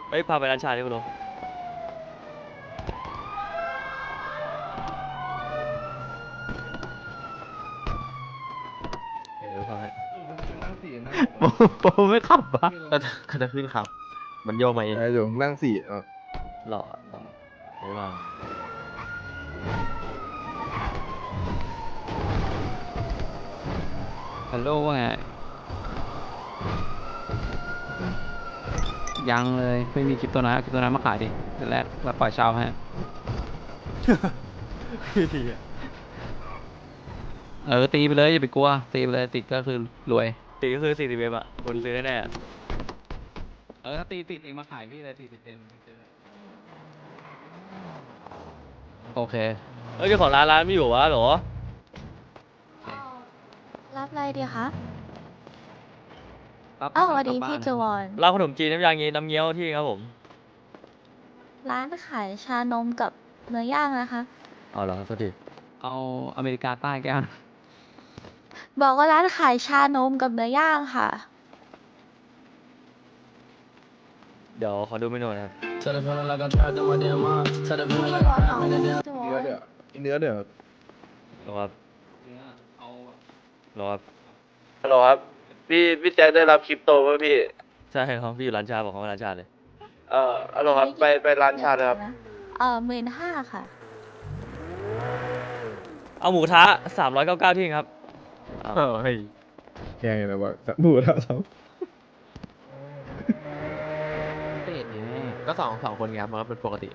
เฮ้ยพาไปร้านชาดิคุณลุงพาให้โปไม่ขับปะก็จะขึ้นขับมันโยกมาเองเดี๋ยวนั่งสี่หล่อเดี๋ยวมาฮัลโหลว่าไงยังเลยไม่มีคลิปตัวนั้นเอาคลิปตัวนั้นมาขายดิเดี๋ยวแรกเราปล่อยเช่าให้ทีอะตีไปเลยอย่าไปกลัวตีไปเลยติดก็คือรวยตีก็คือ40เว็บอะคนซื้อแน่ๆอะถ้าตีติดเองมาขายพี่เลยติดเต็มโอเคเฮ้ยเจ้าของร้านไม่อยู่วะเหรอรับอะไรดีคะปั๊บอ้าวสวัสดีกลับบ้าพี่นจวอนร้านขนมจีนน้ำยางี้น้ำเงี้ยวที่ครับผมร้านขายชานมกับเนื้อย่างนะคะเอาเหรอโทษทีเอาอเมริกาใต้แก้วนะบอกว่าร้านขายชานมกับเนื้อย่างค่ะเดี๋ยวขอดูเมนูนะครับพี่จวอนเอาพี่จวอนเนื้อเดี๋ยวรอครับเอารอครับฮัลโหลครับพี่แจ็คได้รับคริปโตป่ะพี่ใช่ครับพี่อยู่ร้านชาบอกเขาว่าร้านชาเลยฮัลโหลครับไปร้านชาเลยครับ 15,000ค่ะเอาหมูกระทะ399ที่ครับอ้าวเฮ้ยแข่งอะไรวะหมูแล้วสองเป็ดไงก็สองคนไงครับมันก็เป็นปกติ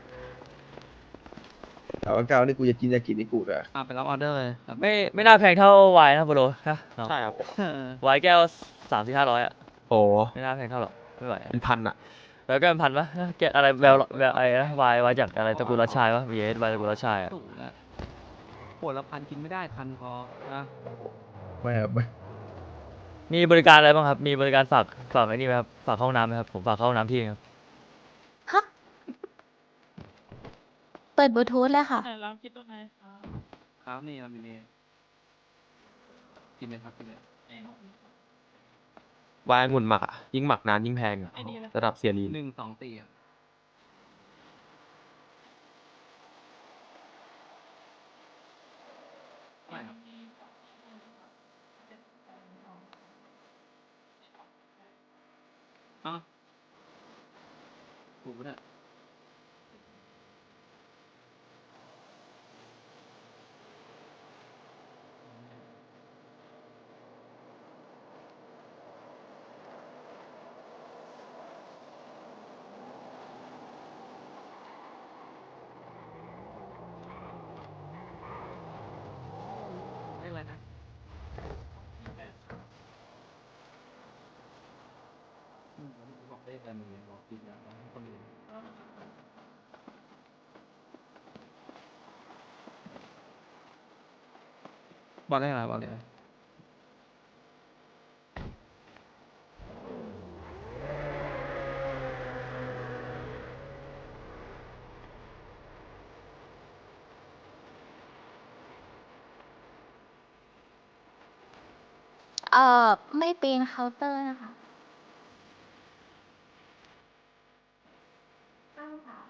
399นี่กูจะกินนี่กูอะไปรับออเดอร์เลยครับไม่น่าแพงเท่าวายนะโปโลนะเนาะใช่ครับวายแก้ว300-500อะโอ้ไม่น่าแพงเท่าหรอกไม่ไหวอะเป็นพันอะแล้วก็เป็นพันปะแกะอะไรแววอะไรนะวายจากอะไรตระกูลรัชชัยวะ VS วายตระกูลรัชชัยอะถูกนะขวดละพันกินไม่ได้พันพอนะไม่ครับไม่มีบริการอะไรบ้างครับ มีบริการฝากไอ้นี่ไหมครับฝากเข้าห้องน้ำไหมครับผมฝากเข้าห้องน้ำที่ครับฮะ เปิดบลูทูธเลยค่ะครับนี่เรามีนี่กินเลยครับกินเลยวายองุ่นหมักอะยิ่งหมักนานยิ่งแพงอะระดับเสียรีน 1 2 4อ่ะไม่ครับอ้าวถูกปะเนี่ยเลขอะไรนะบอกเลขอะไรมึงเนี่ยบอกผิดนะคนอื่นบอกเลขอะไรบอกเลขอะไรไม่ปีนเคาน์เตอร์นะคะ93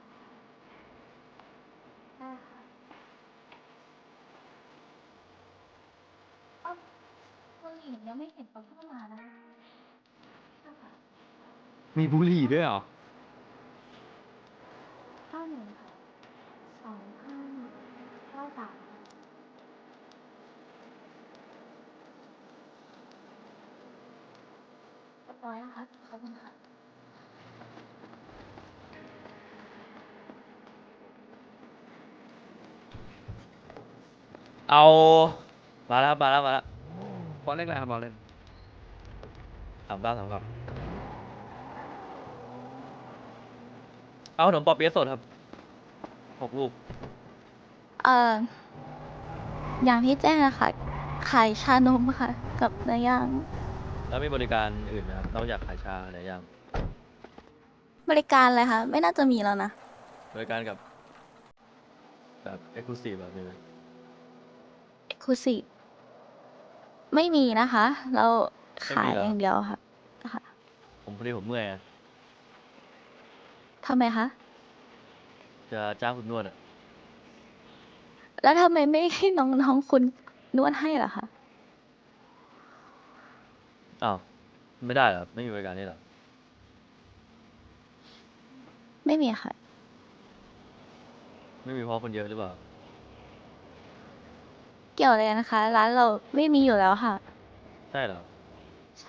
ได้ค่ะคนหญิงยังไม่เห็นเขาเข้ามานะคะค่ะมีบุหรี่ด้วยเหรอ 91ค่ะ2593เรียบร้อยนะคะขอบคุณค่ะเอามาแล้วมาแล้วบอกเลขอะไรครับบอกเลข 3939เอาขนมปอเปี๊ยะสดครับ6 ลูกเอ่ออย่างที่แจ้งอะค่ะขายชานมค่ะ กับเนื้อย่างแล้วมีบริการอื่นไหมครับนอกจากขายชาอะไรอย่างบริการอะไรคะ ไม่น่าจะมีแล้วนะบริการกับแบบเอ็กซ์คลูซีฟแบบนี้ไหม Exclusive ไม่มีนะคะ เราขายไม่มีเหรออย่างเดียวค่ะค่ะผมพอดีผมเมื่อยอะทำไมคะจะจ้างคุณนวดอะแล้วทำไมไม่ให้น้องๆคุณนวดให้ล่ะคะอ้าวไม่ได้เหรอไม่มีบริการนี่เหรอไม่มีค่ะไม่มีเพราะคนเยอะหรือเปล่าเกี่ยวอะไรนะคะ ร้านเราไม่มีอยู่แล้วค่ะใช่เหรอใช่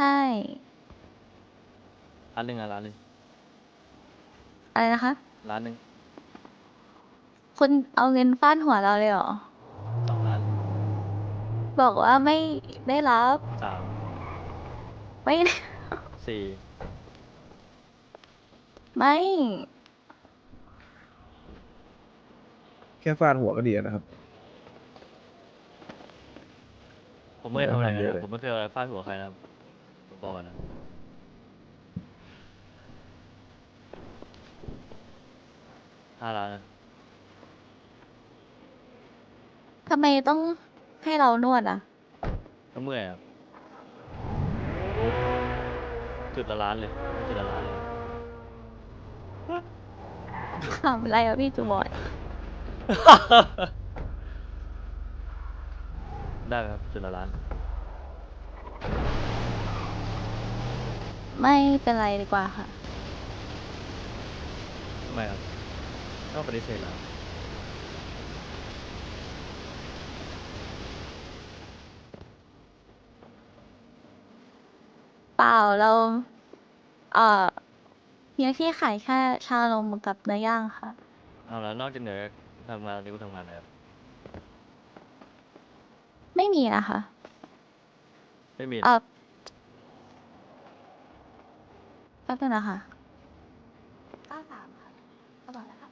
ร้านหนึ่งอะร้านหนึ่งอะไรนะคะร้านหนึ่งคุณเอาเงินฟาดหัวเราเลยเหรอ 2 ล้านบอกว่าไม่ได้รับ 3 ไม่ได้ 4 ไม่แค่ฟาดหัวก็ดีนะครับผมไม่เคยทำอะไรกันเยอะนะเลยผมไม่เคยเอาอะไรฟาดหัวใครนะครับผมบอกก่อนนะ5 ล้านนะทำไมต้องให้เรานวดอ่ะก็เมื่อยครับจุดละล้านเลยจุดละล้านเลยทำอะไรอ่ะพี่จูบอยได้ไหมครับจุดละล้านไม่เป็นไรดีกว่าค่ะทำไมครับก็ปฏิเสธแล้วเปล่าเรา เอ่อเฮียที่ขายแค่ชานมกับเนื้อย่างค่ะเอาแล้วนอกจากเหนือทำงานนี่กูทำงานอะไรครับไม่มีนะคะไม่มีแป๊บนึงนะคะ93ค่ะก็บอกแล้วค่ะ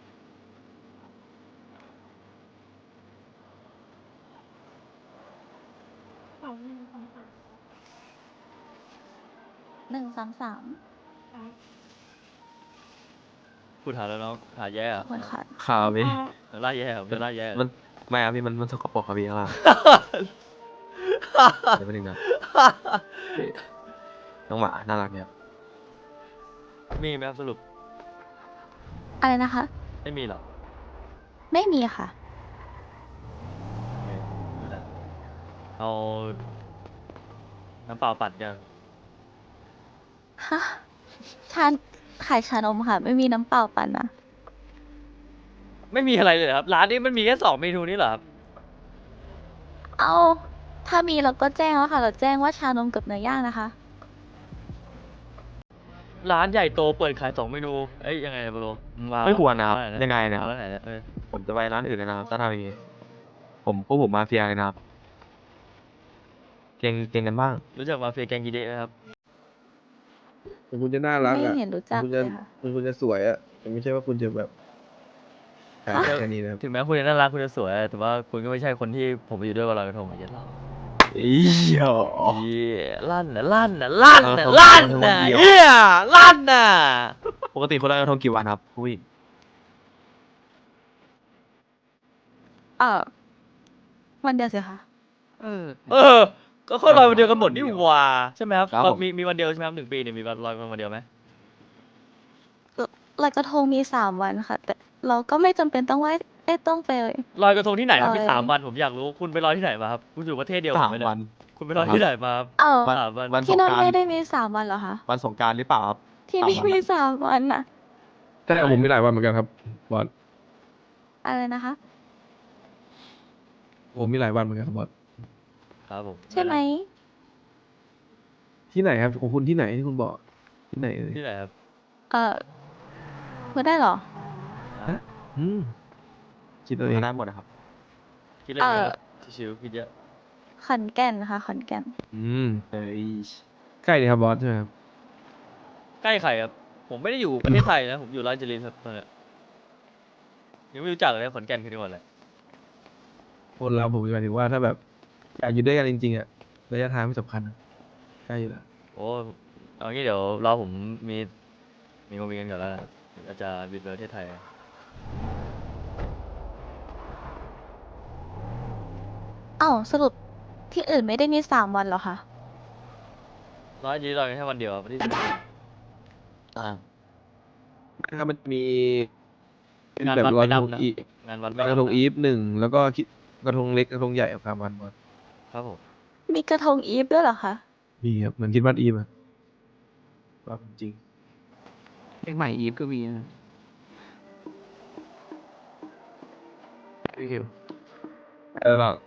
133 พูดหาแล้วน้องหาแย่ขอะอบคุณค่ะข่าวพี่ล่าแย่อะจะล่าแย่อะมันไม่ครับพี่มันสกปรกครับพี่ข้างล่างเดี๋ยวไปหนึ่งนะน้องหมาน่ารักเนี่ยครับมีไหมครับสรุปอะไรนะคะไม่มีหรอกไม่มีค่ะโอเคไม่ได้เอาน้ำเปล่าปั่นกันฮะ ชานขายชานมค่ะ ไม่มีน้ำเปล่าปั่นนะไม่มีอะไรเลยเหรอครับร้านนี้มันมีแค่2 เมนูนี้เหรอครับเอาถ้ามีเราก็แจ้งแล้วค่ะ เราแจ้งว่าชานมกับเนื้อย่างนะคะร้านใหญ่โตเปิดขาย2 เมนูเอ้ยยังไงโบโลมาไม่ควรนะครับเอาหยังไงนะครับเอาไหนเนี่ยผมจะไปร้านอื่นเลยนะครับถ้าทำอย่างนี้ผมมาเฟียเลยนะครับเก่งกันบ้างรู้จักมาเฟียแกงกีเดะไหมครับถึงคุณจะน่ารักไม่อ่ะเห็นรู้จักคุณเลจะยค่ะคุณจะสวยอ่ะแต่ไม่ใช่ว่าคุณจะแบบแค่นี้นะครับถึงแม้คุณจะน่ารักคุณจะสวย แต่ว่าคุณก็ไม่ใช่คนที่ผมไปอยู่ด้วยวันลอยกระทงอย่างเงี้ยหรอกอีหรอเหี้ยลั่นน่ะลั่นน่ะลั่นน่ะเออลั่นเขาน่ะคนเดียวเฮียลั่นน่ะปกติคนลอยกระทงกี่วันครับผู้หญิงวันเดียวสิคะเออเออ ก็คนลอยวันเดียวกันหมดนี่หว่าใช่ไหมครับครับผมมีวันเดียวใช่ไหมครับ1 ปีเนี่ยมีวันลอยวันเดียวไหมลอยกระทงมี3 วันค่ะ แต่เราก็ไม่จำเป็นต้องต้องไปลอยกระทงที่ไหนครับมีลอย 3 วันผมอยากรู้คุณไปลอยที่ไหนมาครับคุณอยู่ประเทศเดียวกัสามไหมเนี่วันยคุณไปลอยที่ไหนมาครับเอ้าวัน 3 วันวันที่นั่นสงกรานต์ไม่ได้มี3 วันเหรอคะวันสงกรารหรือเปล่าครับที่นี่ 3 วันมี3 วันน่ะแต่ผมมีหลายวันเหมือนกันครับบอสอะไรนะคะผมมีหลายวันเหมือนกันครับบอสครับผมใช่ไหมที่ไหนครับของคุณที่ไหนที่คุณบอกที่ไหนเอ่ยที่ไหนครับพูดได้เหรออ่ะอืมคิดเอาเองได้หมดนะครับคิดเล่นไหมครับชิวๆคิดเยอะขอนแก่นค่ะ ขอนแก่นอืมเอ้ยใกล้ดีครับบอสใช่ไหมครับใกล้ใครครับ ผมไม่ได้อยู่ประเทศไทยนะ ผมอยู่ราชบุรีครับตอนเนี้ยยังไม่รู้จักเลยขอนแก่นคือจังหวัดอะไรคนเราผมหมายถึงว่าถ้าแบบอยากอยู่ด้วยกันจริงๆอ่ะระยะทางไม่สำคัญนะใกล้อยู่แล้วโอ้เอางี้เดี๋ยวรอผมมีงานกันก่อนแล้วนะอาจจะบินไปประเทศไทยเอ้าสรุปที่อื่นไม่ได้มี3 วันเหรอคะร้อยจีนลอยกันแค่วันเดียวประเทศอ่าถ้ามันมีงานแบบวัดลอยไม่กระทงดำนะอีงานวัดลอยกระทงอีฟหนึ่งแล้วก็กระทงเล็กกระทงใหญ่กับการวันบอลครับผมมีกระทงอีฟด้วยเหรอคะมีครับเหมือนคิดว่าอีฟอะว่าจริงเพลงใหม่อีฟก็มีนะพี่คิวหรอก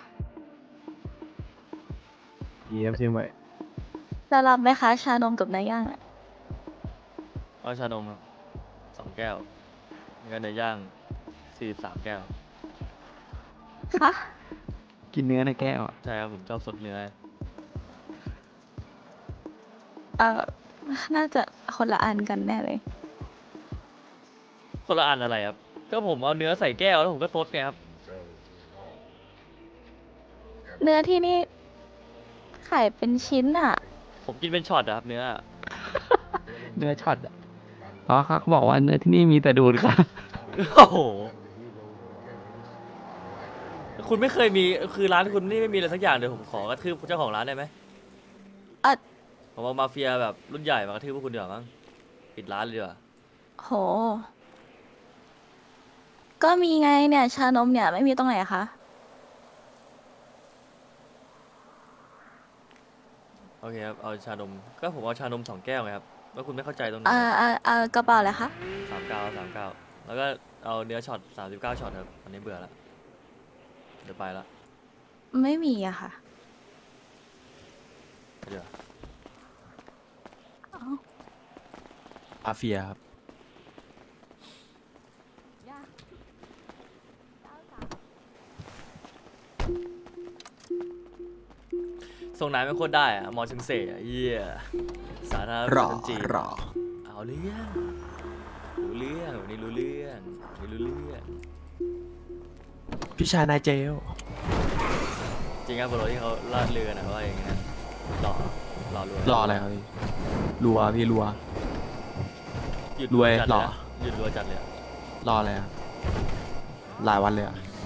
อีฟเชียงใหม่จะรับไหมคะชานมกับเนื้อย่างอะเอาชานมครับ2 แก้วแล้วก็เนื้อย่าง43 แก้วคะกินเนื้อในแก้วอะใช่ครับผมชอบสดเนื้อเออน่าจะคนละอันกันแน่เลยคนละอันอะไรครับ ก็ผมเอาเนื้อใส่แก้วแล้วผมก็ซดไงครับเนื้อที่นี่ขายเป็นชิ้นอ่ะผมกินเป็นช็อตอะครับเนื้อเนื้อช็อตอะเพราะเขาบอกว่าเนื้อที่นี่มีแต่ดูดค่ะโอ้โห คุณไม่เคยมี คือร้านคุณนี่ไม่มีอะไรสักอย่างเดี๋ยวผมขอกระทืบเจ้าของร้านได้ไหมอ่ะผมเอามาเฟียแบบรุ่นใหญ่มากระทืบพวกคุณเดี๋ยวามั้ง ปิดร้านเลยดีกว่าโห ก็มีไงเนี่ย ชานมเนี่ยไม่มีตรงไหนอะคะโอเคครับ เอาชานม ก็ผมเอาชานม2 แก้วไงครับ แล้วคุณไม่เข้าใจตรงไหนกระเป๋าเลยคะ 39 แล้วก็เอาเนื้อช็อต39 ช็อตครับอันนี้เบื่อแล้ว เดี๋ยวไปละไม่มีอะค่ะเดี๋ยวเอ้าอาเฟียครับส่งนายไม่โคตรได้อะมอชึงเซ่อะเยี่ยสาธารณรรัอฐจีนรอเอาเรื่องรู้เรื่องวันนี้รู้เรื่องวันนี้รู้เรื่องพี่ชายนายเจลจริงครับบรที่เขาลาดเรือนะว่าอย่างเงี้ยหล่อหล่อรวยรออะไรครับพี่รัวพี่รัวหยุดรวยจัดหล่เลยออะหยุดรัวจัดเลยอะรออะไรครับหลายวันเลยอ่ะ